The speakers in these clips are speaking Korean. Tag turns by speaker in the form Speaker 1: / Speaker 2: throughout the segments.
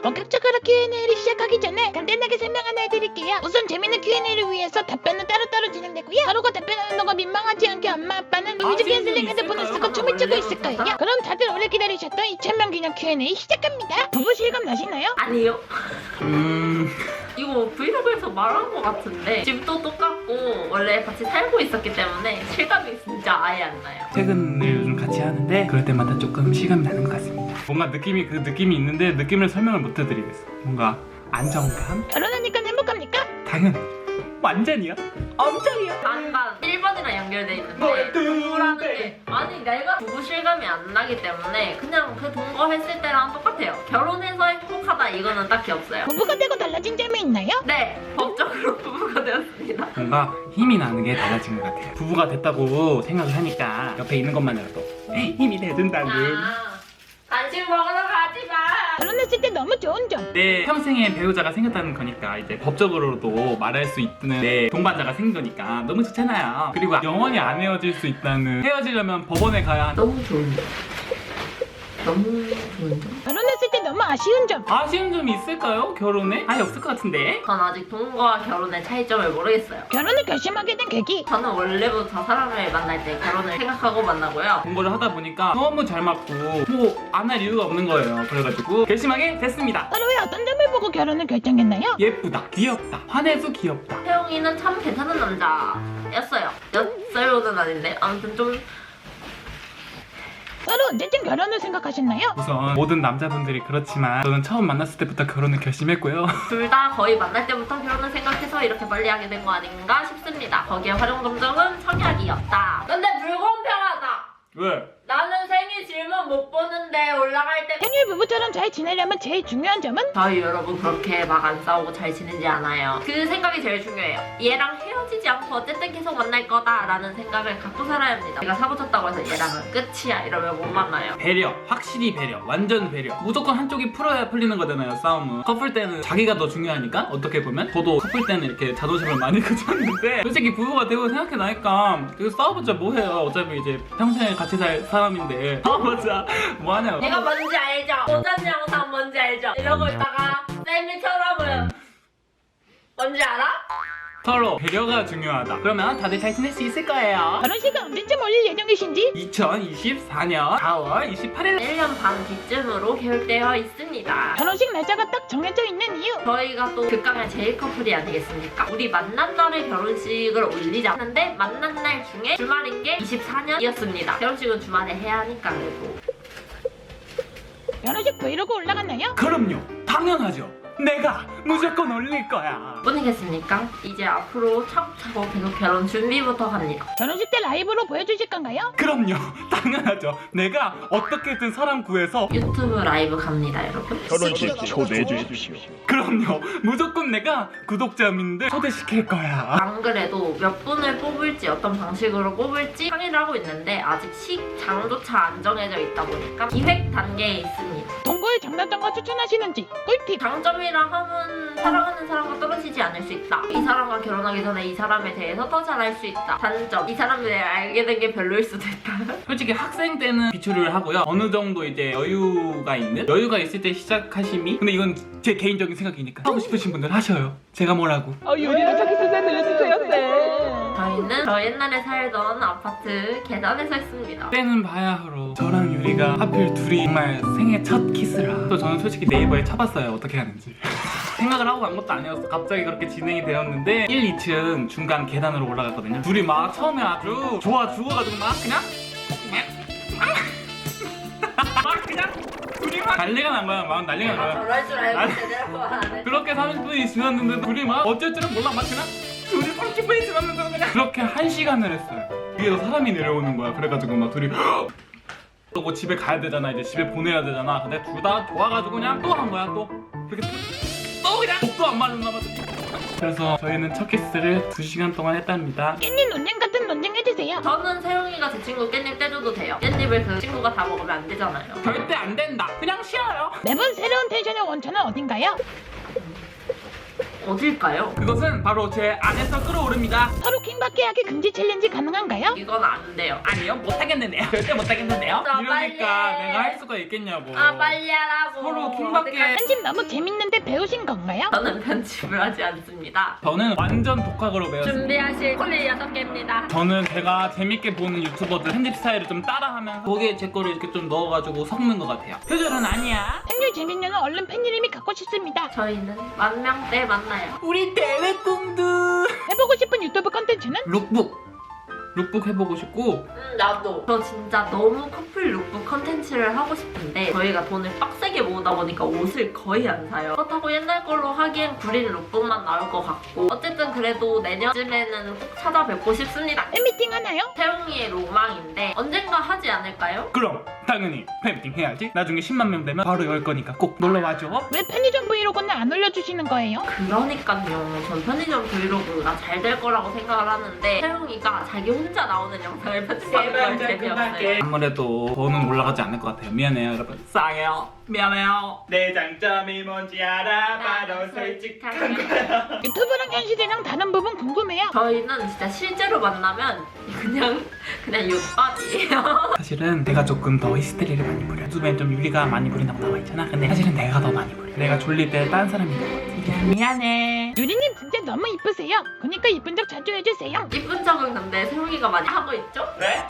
Speaker 1: 본격적으로 Q&A를 시작하기 전에 간단하게 설명 하나 해드릴게요. 우선 재밌는 Q&A를 위해서 답변은 따로따로 진행되고요. 서로가 답변하는 동안 민망하지 않게 엄마 아빠는 뮤직 캔슬링 핸드폰을 쓰고 춤을 추고 있을 거예요. 그럼 다들 오래 기다리셨던 2000명 기념 Q&A 시작합니다. 부부 실감 나시나요?
Speaker 2: 아니요. 이거 브이로그에서 말한 것 같은데 집도 똑같고 원래 같이 살고 있었기 때문에 실감이 진짜 아예 안 나요.
Speaker 3: 퇴근을 요즘 같이 하는데 그럴 때마다 조금 실감이 나는 것 같습니다. 뭔가 느낌이 그 느낌이 있는데 느낌을 설명을 못 해드리겠어. 뭔가 안정감?
Speaker 1: 결혼하니까 행복합니까?
Speaker 3: 당연 완전이요? 엄청이요?
Speaker 2: 반반 1번이랑 연결돼 있는데 동거라는 게 아니 내가 부부 실감이 안 나기 때문에 그냥 그 동거했을 때랑 똑같아요. 결혼해서 행복하다 이거는 딱히 없어요.
Speaker 1: 부부가 되고 달라진 점이 있나요?
Speaker 2: 네, 법적으로 부부가 되었습니다.
Speaker 3: 뭔가 힘이 나는 게 달라진 것 같아요. 부부가 됐다고 생각을 하니까 옆에 있는 것만으로도 힘이 돼준다는
Speaker 2: 간식 먹으러 가지 마.
Speaker 1: 결혼했을 때 너무 좋은 점.
Speaker 3: 내 평생의 배우자가 생겼다는 거니까 이제 법적으로도 말할 수 있는 내 동반자가 생긴 거니까 너무 좋잖아요. 그리고 영원히 안 헤어질 수 있다는, 헤어지려면 법원에 가야 하는
Speaker 2: 너무 좋은데. 너무 좋은데.
Speaker 1: 결혼했을 때 너무 아쉬운 점.
Speaker 3: 아쉬운 점이 있을까요? 결혼에? 아예 없을 것 같은데?
Speaker 2: 전 아직 동거와 결혼의 차이점을 모르겠어요.
Speaker 1: 결혼을 결심하게 된 계기.
Speaker 2: 저는 원래부터 사람을 만날 때 결혼을 생각하고 만나고요.
Speaker 3: 공부를 하다 보니까 너무 잘 맞고 뭐 안 할 이유가 없는 거예요. 그래가지고 결심하게 됐습니다.
Speaker 1: 서로의 어떤 점을 보고 결혼을 결정했나요?
Speaker 3: 예쁘다, 귀엽다, 화내도 귀엽다.
Speaker 2: 태용이는 참 괜찮은 남자였어요. 였어요는 아닌데 아무튼 좀
Speaker 1: 서로 언제쯤 결혼을 생각하셨나요?
Speaker 3: 우선 모든 남자분들이 그렇지만 저는 처음 만났을 때부터 결혼을 결심했고요.
Speaker 2: 둘 다 거의 만날 때부터 결혼을 생각해서 이렇게 빨리 하게 된 거 아닌가 싶습니다. 거기에 활용 감정은 성약이었다. 근데 불공평하다.
Speaker 3: 왜?
Speaker 2: 나는 생일 질문 못 보는데 올라갈 때
Speaker 1: 생일 부부처럼 잘 지내려면 제일 중요한 점은?
Speaker 2: 저희 여러분 그렇게 막 안 싸우고 잘 지내지 않아요. 그 생각이 제일 중요해요. 얘랑 헤어지지 않고 어쨌든 계속 만날 거다라는 생각을 갖고 살아야 합니다. 제가 사고 쳤다고 해서 얘랑은 끝이야 이러면 못 만나요.
Speaker 3: 배려, 확실히 배려, 완전 배려. 무조건 한쪽이 풀어야 풀리는 거잖아요, 싸움은. 커플 때는 자기가 더 중요하니까, 어떻게 보면. 저도 커플 때는 이렇게 자존심을 많이 가졌는데 솔직히 부부가 되고 생각해나니까 싸워봤자 뭐해요. 어차피 이제 평생 같이 살 사람인데 싸워봤자 뭐하냐고.
Speaker 2: 내가 뭔지 알죠? 도전 영상 뭔지 알죠? 이러고 있다가 쌤이처럼은 뭔지 알아?
Speaker 3: 서로 배려가 중요하다. 그러면 다들 잘 지낼 수 있을 거예요.
Speaker 1: 결혼식은 언제쯤 올릴 예정이신지?
Speaker 3: 2024년 4월 28일
Speaker 2: 1년 반 뒤쯤으로 계획되어 있습니다.
Speaker 1: 결혼식 날짜가 딱 정해져 있는 이유.
Speaker 2: 저희가 또 극강의 제일 커플이 아니겠습니까? 우리 만난 날에 결혼식을 올리자 하는데 만난 날 중에 주말인 게 24년이었습니다. 결혼식은 주말에 해야 하니까 그래도.
Speaker 1: 결혼식 브이로그 올라갔나요?
Speaker 3: 그럼요, 당연하죠. 내가 무조건 올릴 거야.
Speaker 2: 뿐이겠습니까? 이제 앞으로 차곡차곡 계속 결혼 준비부터 합니다.
Speaker 1: 결혼식 때 라이브로 보여주실 건가요?
Speaker 3: 그럼요, 당연하죠. 내가 어떻게든 사람 구해서.
Speaker 2: 유튜브 라이브 갑니다, 여러분.
Speaker 4: 결혼식 초대해 주십시오.
Speaker 3: 그럼요, 무조건 내가 구독자분들 초대시킬 거야.
Speaker 2: 안 그래도 몇 분을 뽑을지 어떤 방식으로 뽑을지 상의를 하고 있는데 아직 시장조차 안 정해져 있다 보니까 기획 단계에 있습니다.
Speaker 1: 동거의 장단점과 추천하시는지 꿀팁.
Speaker 2: 장점이라 함은 사랑하는 사람과 떨어지지 않을 수 있다. 이 사람과 결혼하기 전에 이 사람에 대해서 더 잘 알 수 있다. 단점, 이 사람에 대해 알게 된 게 별로일 수도 있다.
Speaker 3: 솔직히 학생 때는 비추를 하고요. 어느 정도 이제 여유가 있을 때 시작하심이. 근데 이건 제 개인적인 생각이니까 하고 싶으신 분들 하셔요. 제가 뭐라고.
Speaker 1: 요리를 저기 세상 들려주세요, 쌤.
Speaker 2: 저희는 저 옛날에 살던 아파트 계단에 서 있습니다.
Speaker 3: 때는 바야흐로 저랑 유리가 하필 둘이 정말 생애 첫 키스라. 또 저는 솔직히 네이버에 쳐봤어요, 어떻게 하는지. 생각을 하고 간 것도 아니었어. 갑자기 그렇게 진행이 되었는데 1, 2층 중간 계단으로 올라갔거든요. 둘이 막 처음에 아주 좋아 죽어가지고 막 그냥 둘이 막 난리가 난 거야. 막 난리가 난 거야.
Speaker 2: 저럴 줄 알고
Speaker 3: 아니,
Speaker 2: 제대로 안 해.
Speaker 3: 그렇게 30분이 지났는데 둘이 막 어쩔 줄은 몰라. 막 그냥 둘이 30분이 지났는데 그냥 그렇게 1시간을 했어요. 위에서 사람이 내려오는 거야. 그래가지고 막 둘이 그러고 집에 가야 되잖아. 이제 집에 보내야 되잖아. 근데 둘 다 좋아가지고 그냥 또 한 거야. 또 그렇게 또 그냥 또 안 맞았나 봐. 그래서 저희는 첫 키스를 2시간 동안 했답니다.
Speaker 1: 깻잎 논쟁 같은 논쟁 해주세요.
Speaker 2: 저는 세영이가 제 친구 깻잎 떼줘도 돼요. 깻잎을 그 친구가 다 먹으면 안 되잖아요.
Speaker 3: 절대 안 된다. 그냥 쉬어요.
Speaker 1: 매번 새로운 텐션의 원천은 어딘가요?
Speaker 2: 어딜까요?
Speaker 3: 그것은 바로 제 안에서 끌어오릅니다.
Speaker 1: 서로 킹받게 하기 금지 챌린지 가능한가요?
Speaker 2: 이건 안 돼요.
Speaker 3: 아니요, 못하겠는데요. 절대 못하겠는데요.
Speaker 2: 아,
Speaker 3: 이러니까
Speaker 2: 빨리.
Speaker 3: 내가 할 수가 있겠냐고.
Speaker 2: 아 빨리 하라고.
Speaker 3: 서로 킹받게.
Speaker 1: 편집 너무 재밌는데 배우신 건가요?
Speaker 2: 저는 편집을 하지 않습니다.
Speaker 3: 저는 완전 독학으로 배웠습니다.
Speaker 2: 준비하실 콜리 6개입니다.
Speaker 3: 저는 제가 재밌게 보는 유튜버들 편집 스타일을 좀 따라하면서 거기에 제 거를 이렇게 좀 넣어가지고 섞는 것 같아요. 표절은 아니야.
Speaker 1: 팬율 재밌냐는 얼른 팬 이름이 갖고 싶습니다.
Speaker 2: 저희는 10,000명 때 만나요.
Speaker 3: 우리 대회 꿈도
Speaker 1: 해보고 싶은 유튜브 컨텐츠는?
Speaker 3: 룩북 해보고 싶고
Speaker 2: 나도. 저 진짜 너무 커플 룩북 컨텐츠를 하고 싶은데 저희가 돈을 빡세게 모으다 보니까 옷을 거의 안 사요. 그렇다고 옛날 걸로 하기엔 구린 룩북만 나올 것 같고 어쨌든 그래도 내년쯤에는 꼭 찾아뵙고 싶습니다.
Speaker 1: 팬미팅 하나요?
Speaker 2: 태웅이의 로망인데 언젠가 하지 않을까요?
Speaker 3: 그럼 당연히 팬미팅 해야지. 나중에 10만 명 되면 바로 열 거니까 꼭 놀러와줘.
Speaker 1: 왜 편의점 브이로그는 안 올려주시는 거예요?
Speaker 2: 그러니까요. 전 편의점 브이로그가 잘 될 거라고 생각을 하는데 태웅이가 자기 혼자 나오는 영상을 편집하는 건 재미없어요.
Speaker 3: 아무래도 저는 올라가지 않을 것 같아요. 미안해요 여러분. 싸게요. 미안해요. 내 장점이 뭔지 알아. 바로 솔직한 거야.
Speaker 1: 유튜브랑 현실이랑 다른 부분 궁금해요.
Speaker 2: 저희는 진짜 실제로 만나면 그냥 육밥이에요.
Speaker 3: 사실은 내가 조금 더 히스테리를 많이 부려. 유튜브엔 좀 유리가 많이 부린다고 나와 있잖아. 근데 사실은 내가 더 많이 부려. 내가 졸릴 때 딴 사람인 것 같아. 미안해.
Speaker 1: 유리님 진짜 너무 이쁘세요. 그러니까 이쁜 척 자주 해주세요.
Speaker 2: 이쁜 척은 근데 세웅이가 많이 하고 있죠?
Speaker 3: 왜?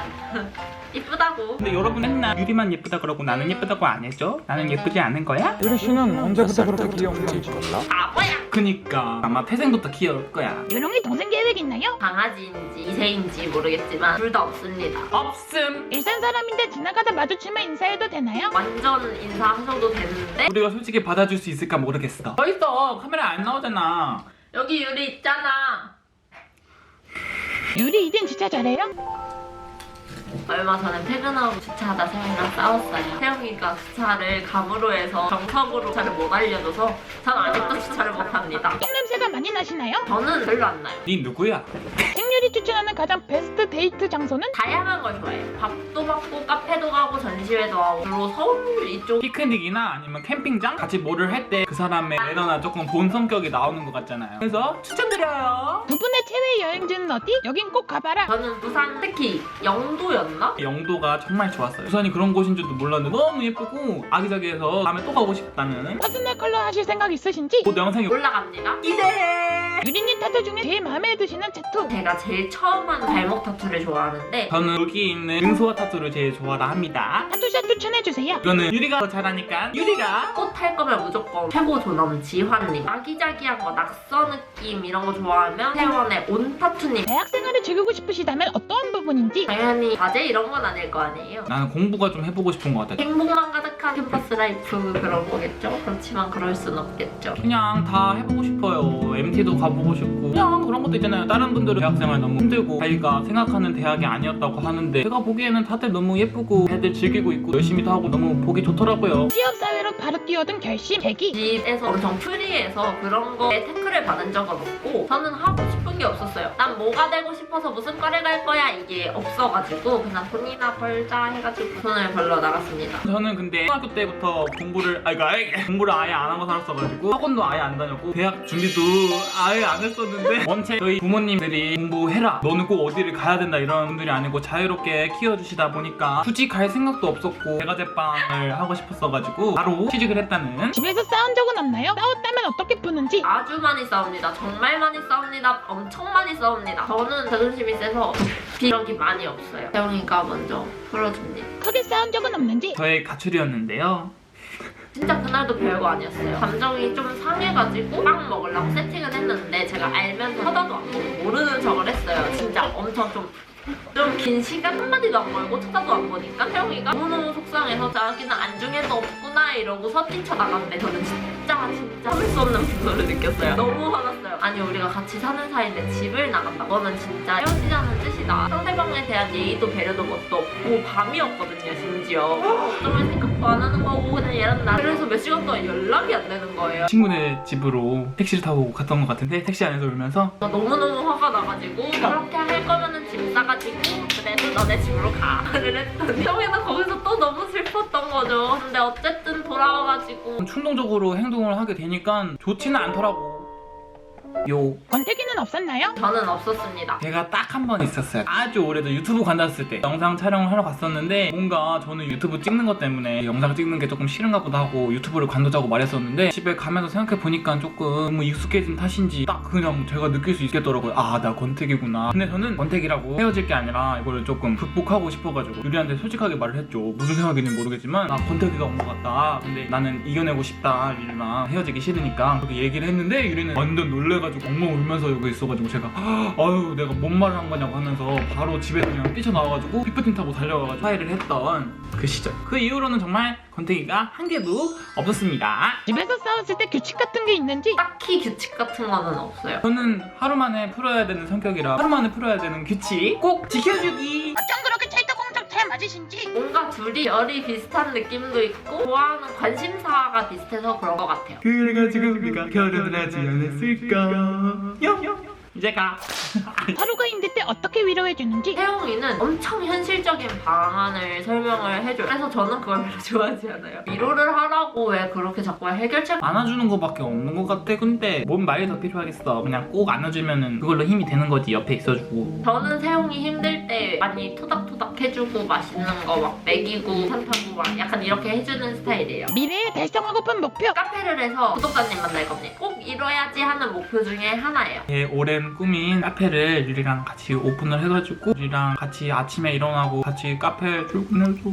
Speaker 2: 이쁘다고.
Speaker 3: 근데 여러분 맨날 유리만 예쁘다 그러고 나는 예쁘다고 안 해줘? 나는 예쁘지 않은 거야?
Speaker 5: 유리 씨는 언제부터 그렇게 귀여운지 몰라?
Speaker 2: 바보야.
Speaker 3: 그니까 아마 태생부터 귀여울 거야.
Speaker 1: 유롱이 동생 계획 있나요?
Speaker 2: 강아지인지 이세인지 모르겠지만 둘 다 없습니다.
Speaker 3: 없음.
Speaker 1: 일산 사람인데 지나가다 마주치면 인사해도 되나요?
Speaker 2: 완전 인사하셔도 되는데
Speaker 3: 우리가 솔직히 받아줄 수 있을까 모르겠어. 더 있어. 카메라 안 나오잖아.
Speaker 2: 여기 유리 있잖아.
Speaker 1: 유리 이젠 진짜 잘해요?
Speaker 2: 얼마 전에 퇴근하고 주차하다 세영이랑 싸웠어요. 세영이가 주차를 감으로 해서 정석으로 주차를 못 알려줘서 전 아직도 주차를 못합니다.
Speaker 1: 똥냄새가 많이 나시나요?
Speaker 2: 저는 별로 안 나요.
Speaker 3: 네 누구야?
Speaker 1: 생유리 추천하는 가장 베스트 데이트 장소는?
Speaker 2: 다양한 걸 좋아해요. 밥도 먹고 카페도 가고 전시회도 하고 주로 서울 이쪽.
Speaker 3: 피크닉이나 아니면 캠핑장? 같이 뭐를 할 때 그 사람의 매너나 조금 본 성격이 나오는 것 같잖아요. 그래서 추천드려요.
Speaker 1: 두 분의 최애 여행지는 어디? 여긴 꼭 가봐라.
Speaker 2: 저는 부산 특히 영도였나?
Speaker 3: 영도가 정말 좋았어요. 부산이 그런 곳인 줄도 몰랐는데 너무 예쁘고 아기자기해서 다음에 또 가고 싶다는
Speaker 1: 퍼스널 컬러 하실 생각 있으신지?
Speaker 3: 곧 영상이
Speaker 2: 올라갑니다.
Speaker 3: 기대해.
Speaker 1: 유리님 타투 중에 제일 마음에 드시는 타투.
Speaker 2: 제가 제일 처음 한 발목 타투를 좋아하는데
Speaker 3: 저는 여기 있는 능소화 타투를 제일 좋아라 합니다.
Speaker 1: 타투샷 추천해주세요.
Speaker 3: 이거는 유리가 더 잘하니까 유리가.
Speaker 2: 꽃 할 거면 무조건 최고 존엄 지환님. 아기자기한 거 낙서 느낌 이런 거 좋아하면 세원의 온 타투님.
Speaker 1: 대학 생활을 즐기고 싶으시다면 어떠한 부분인지?
Speaker 2: 당연히 과제 이런 건 아닐 거 아니에요.
Speaker 3: 나는 공부가 좀 해보고 싶은 것 같아.
Speaker 2: 행복만 가득한 캠퍼스 라이프 그런 거겠죠? 그렇지만 그럴 순 없겠죠.
Speaker 3: 그냥 다 해보고 싶어요. MT도 가보고 싶고 그냥 그런 것도 있잖아요. 다른 분들은 대학생활 너무 힘들고 자기가 생각하는 대학이 아니었다고 하는데 제가 보기에는 다들 너무 예쁘고 애들 즐기고 있고 열심히도 하고 너무 보기 좋더라고요.
Speaker 1: 취업사회로 바로 뛰어든 결심, 계기.
Speaker 2: 집에서 엄청 프리해서 그런 거에 태클을 받은 적은 없고 저는 하고 싶은 게 없었어요. 난 뭐가 되고 싶어서 무슨 과를 갈 거야 이게 없어가지고 그냥 돈이나 벌자 해가지고 돈을 벌러 나갔습니다.
Speaker 3: 저는 근데 초등학교 때부터 공부를 아예 안 하고 살았어가지고 학원도 아예 안 다녔고 대학 준비도 아예 안 했었는데 원체 저희 부모님들이 공부해라 너는 꼭 어디를 가야 된다 이런 분들이 아니고 자유롭게 키워주시다 보니까 굳이 갈 생각도 없었고 제과제빵을 하고 싶었어가지고 바로 취직을 했다는.
Speaker 1: 집에서 싸운 적은 없나요? 싸웠다면 어떻게 푸는지?
Speaker 2: 아주 많이 싸웁니다. 정말 많이 싸웁니다. 엄청 많이 싸웁니다. 저는 자존심이 세서 이런 게 많이 없어요. 태영이가 먼저 풀어줍니다.
Speaker 1: 크게 싸운 적은 없는지?
Speaker 3: 저의 가출이었는데요.
Speaker 2: 진짜 그날도 별거 아니었어요. 감정이 좀 상해가지고 빵 먹으려고 세팅을 했는데 제가 알면서 쳐다도 안 보고 모르는 척을 했어요. 진짜 엄청 좀 긴 시간 한마디도 안 걸고 쳐다도 안 보니까 태영이가 너무너무 속상해서 자기는 안중에도 없구나 이러고서 뛰쳐나갔는데 저는 진짜 참을 수 없는 분노를 느꼈어요. 너무 화났어요. 아니 우리가 같이 사는 사이인데 집을 나간다. 그거는 진짜 헤어지자는 뜻이다. 상대방에 대한 예의도 배려도 것도 없고 밤이었거든요 심지어. 어쩌면 생각도 안 하는 거고 그냥 얘랑 나 그래서 몇 시간 동안 연락이 안 되는 거예요.
Speaker 3: 친구네 집으로 택시를 타고 갔던 것 같은데 택시 안에서 울면서
Speaker 2: 너무너무 화가 나가지고 그렇게 할 거면은 짐 싸가지고 그래도 너네 집으로 가를 했더니 형이는 거기서 또 너무 슬펐던 거죠. 근데 어쨌든 돌아와가지고
Speaker 3: 충동적으로 행동을 하게 되니까 좋지는 않더라고.
Speaker 1: 권태기는 없었나요?
Speaker 2: 저는 없었습니다.
Speaker 3: 제가 딱 한 번 있었어요. 아주 오래전 유튜브 관뒀을 때 영상 촬영을 하러 갔었는데 뭔가 저는 유튜브 찍는 것 때문에 영상 찍는 게 조금 싫은가 보다 하고 유튜브를 관두자고 말했었는데 집에 가면서 생각해보니까 조금 너무 익숙해진 탓인지 딱 그냥 제가 느낄 수 있겠더라고요. 아, 나 권태기구나. 근데 저는 권태기라고 헤어질 게 아니라 이거를 조금 극복하고 싶어가지고 유리한테 솔직하게 말을 했죠. 무슨 생각인지 모르겠지만 나 권태기가 온 것 같다. 근데 나는 이겨내고 싶다. 유리랑 헤어지기 싫으니까 그렇게 얘기를 했는데 유리는 완전 놀래가지고 엉엉 울면서 여기 있어가지고 제가 아유 내가 뭔 말을 한 거냐고 하면서 바로 집에서 그냥 뛰쳐나와가지고 피프팀 타고 달려가가지고 화해를 했던 그 시절. 그 이후로는 정말 권태기가 한 개도 없었습니다.
Speaker 1: 집에서 싸웠을 때 규칙 같은 게 있는지?
Speaker 2: 딱히 규칙 같은 거는 없어요.
Speaker 3: 저는 하루 만에 풀어야 되는 성격이라 하루 만에 풀어야 되는 규칙 꼭 지켜주기.
Speaker 1: 어쩜 그렇게 찰떡궁짝 잘 맞으신지?
Speaker 2: 뭔가 둘이 열이 비슷한 느낌도 있고 좋아하는 관심사가 비슷해서 그런 것 같아요.
Speaker 3: 그래가지고 우리가 결혼을 하지 않았을까. 이제 가.
Speaker 1: 하루가 힘들 때 어떻게 위로해주는지?
Speaker 2: 태용이는 엄청 현실적인 방안을 설명을 해줘요. 그래서 저는 그걸 별로 좋아하지 않아요. 위로를 하라고 왜 그렇게 자꾸 해결책
Speaker 3: 안아주는 거밖에 없는 것 같아. 근데 뭔 말이 더 필요하겠어. 그냥 꼭 안아주면은 그걸로 힘이 되는 거지. 옆에 있어주고.
Speaker 2: 저는 태용이 힘들 때 많이 토닥토닥 해주고 맛있는 거 막 먹이고 산타고 막 약간 이렇게 해주는 스타일이에요.
Speaker 1: 미래에 달성하고픈 목표?
Speaker 2: 카페를 해서 구독자님 만날 겁니다. 꼭 이뤄야지 하는 목표 중에 하나예요.
Speaker 3: 제 오랜 꿈인 카페를 유리랑 같이 오픈을 해가지고 유리랑 같이 아침에 일어나고 같이 카페 출근해줘.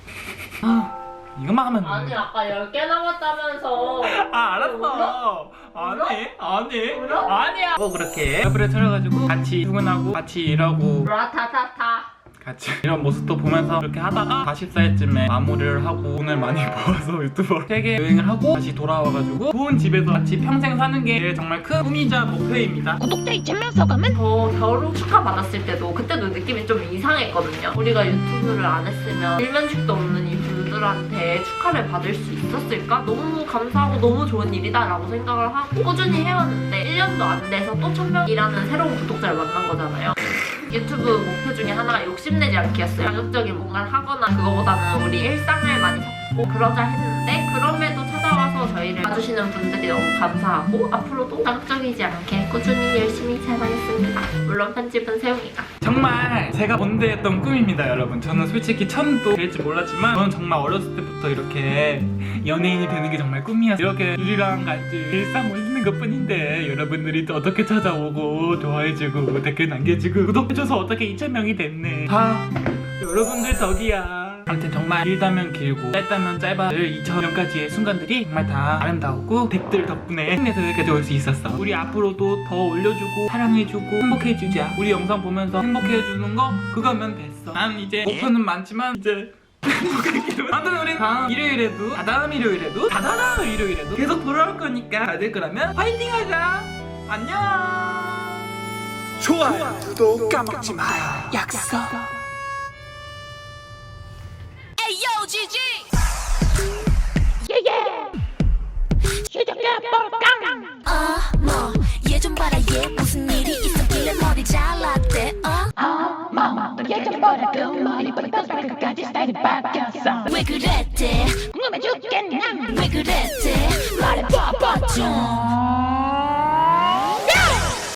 Speaker 3: 이것만 하면
Speaker 2: 아니 아까 10개 남았다면서.
Speaker 3: 알았어. 아니
Speaker 2: 울어?
Speaker 3: 아니야. 그렇게 카페를 차려가지고 같이 출근하고 같이 일하고
Speaker 2: 라타타타.
Speaker 3: 같이 이런 모습도 보면서 이렇게 하다가 40살쯤에 마무리를 하고 돈을 많이 모아서 유튜버 세계 여행을 하고 다시 돌아와가지고 좋은 집에서 같이 평생 사는 게 정말 큰 꿈이자 목표입니다.
Speaker 1: 구독자 2,000명 서감은?
Speaker 2: 저 결혼 축하 받았을 때도 그때도 느낌이 좀 이상했거든요. 우리가 유튜브를 안 했으면 일면식도 없는 이 분들한테 축하를 받을 수 있었을까? 너무 감사하고 너무 좋은 일이다 라고 생각을 하고 꾸준히 해왔는데 1년도 안 돼서 또 1,000명이라는 새로운 구독자를 만난 거잖아요. 유튜브 목표 중에 하나가 욕심내지 않기였어요. 자극적인 뭔가를 하거나 그거보다는 우리 일상을 많이 잡고 그러자 했는데 그럼에도 찾아와서 저희를 봐주시는 분들이 너무 감사하고 앞으로도 자극적이지 않게 꾸준히 열심히 촬영했습니다. 물론 편집은 세용이가.
Speaker 3: 정말 제가 본대했던 꿈입니다, 여러분. 저는 솔직히 천도 될지 몰랐지만 저는 정말 어렸을 때부터 이렇게 연예인이 되는 게 정말 꿈이었어요. 이렇게 유리랑 같이 일상 올리는 것뿐인데 여러분들이 또 어떻게 찾아오고 좋아해주고 댓글 남겨주고 구독해줘서 어떻게 2,000명이 됐네. 다 여러분들 덕이야. 아무튼 정말 길다면 길고 짧다면 짧아를 2,000명까지의 순간들이 정말 다 아름다웠고 댓글 덕분에 힘내서 여기까지 올 수 있었어. 우리 앞으로도 더 올려주고 사랑해주고 행복해주자. 우리 영상 보면서 행복해주는 거 그거면 됐어. 난 이제 목표는 많지만 이제 아무튼 우리 다음 일요일에도 다다음 일요일에도 다다다음 일요일에도 계속 돌아올 거니까 다들 그러면 화이팅 하자. 안녕.
Speaker 5: 좋아요, 구독 까먹지 마요. 약속.
Speaker 1: 시작해 뽀깡!
Speaker 6: 뭐, 얘 좀 봐라, 얘 무슨 일이 있었길래 머리 잘랐대,
Speaker 1: 예전 보다 그 머리부터 발끝까지 스타일이 바뀌었어.
Speaker 6: 왜 그랬대?
Speaker 1: 궁금해 죽겠네.